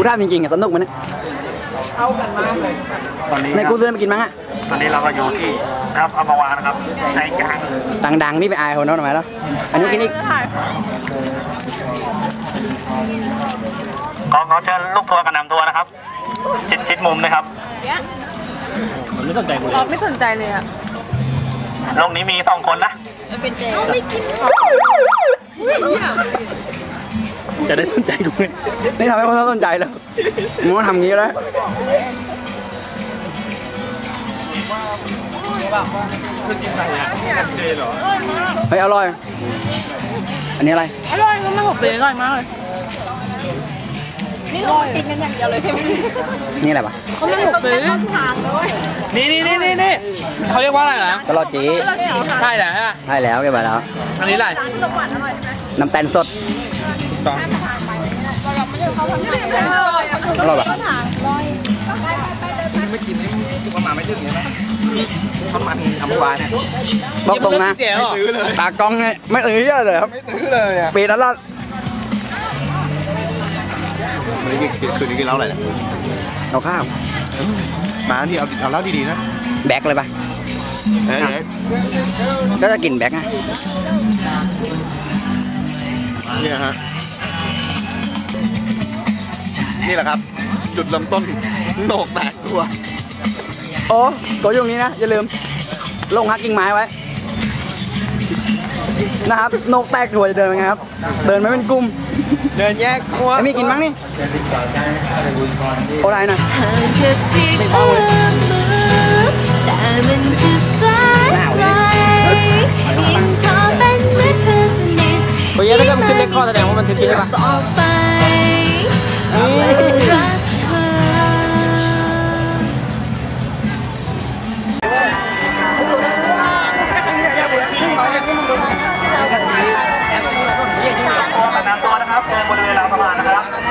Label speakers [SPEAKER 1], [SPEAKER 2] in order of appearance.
[SPEAKER 1] ถามจริงๆอะสนุกมันเนี่ยเอากันมากเลยตอนนี้ในกูซื้อมากินมั้งอะ
[SPEAKER 2] ตอนนี้เราก็อยู่ที่นะครับอัมพวานะครับใจกลาง
[SPEAKER 1] ดังๆนี่ไปอายคนนั้นทำไมแล้วอันนี้กินอีก
[SPEAKER 2] ขอเชิญลูกทัวร์กับนำทัวร์นะครับชิดมุมนะครับมันไม่สนใจกูเลย
[SPEAKER 3] ไม่สนใจเลยอะ
[SPEAKER 2] โลกนี้มี2 คนนะ
[SPEAKER 3] เป็นเจ๊ไม่กิน
[SPEAKER 2] จะได้สนใจกูไหม
[SPEAKER 1] นี่ทำให้คนสนใจแล้วมึงว่าทำงี้แล้วเฮ้ยอร่อยอันนี้อะไร
[SPEAKER 3] อร่อยมากผมเลยอร่อยมากเลยนี่เรากินกันอย่างเดียวเลยใช่ไหม
[SPEAKER 1] นี่อะไรปะ
[SPEAKER 3] เขาไม่หมกเลย
[SPEAKER 2] นี่เขาเรียกว่าอะไรนะ
[SPEAKER 1] ตลอดจี
[SPEAKER 2] ใช่แล้ว
[SPEAKER 1] ใช่แล้วแกไปแล้ว
[SPEAKER 2] อันนี้อะไร
[SPEAKER 1] น้ำแตนสด
[SPEAKER 2] ต้อง
[SPEAKER 1] อร่อยปะ
[SPEAKER 2] ไม่กินนี่ประมาณไม่ถึงนะประมาณอัมพวาเนี่ย
[SPEAKER 1] บอกตรงนะตากล้องเนี่ยไม่ตื้อเลยครับ
[SPEAKER 2] ไม่ตื้อเลยอ่ะ
[SPEAKER 1] ปีนั้นละ
[SPEAKER 2] คืนนี้กินเหล้าอะไรเนี่ย
[SPEAKER 1] เอาข้าว
[SPEAKER 2] มาที่เอาเหล้าดีๆนะ
[SPEAKER 1] แบกเลยปะก็จะกินแบกไง
[SPEAKER 2] เนี่ยฮะนี่แหละครับจุดเริ่มต้นโหนกแตกตัว
[SPEAKER 1] โอ้ตัวอยู่ตรงนี้นะอย่าลืมลงฮักกิ่งไม้ไว้นะครับโหนกแตกตัวจะเดินยังไงครับเดินไม่เป็นกลุ่ม
[SPEAKER 2] เดินแยกตัว
[SPEAKER 1] มีกินมั้งนี่โอ้ได้นะไม่พอเลยหนาวเลยโอ้ยถ้าเกิดมันขึ้นเลคคอร์แสดงว่ามันถึงกินใช่ปะ
[SPEAKER 2] นำตัวนะครับเจอบริเวณราวสะพานนะครับ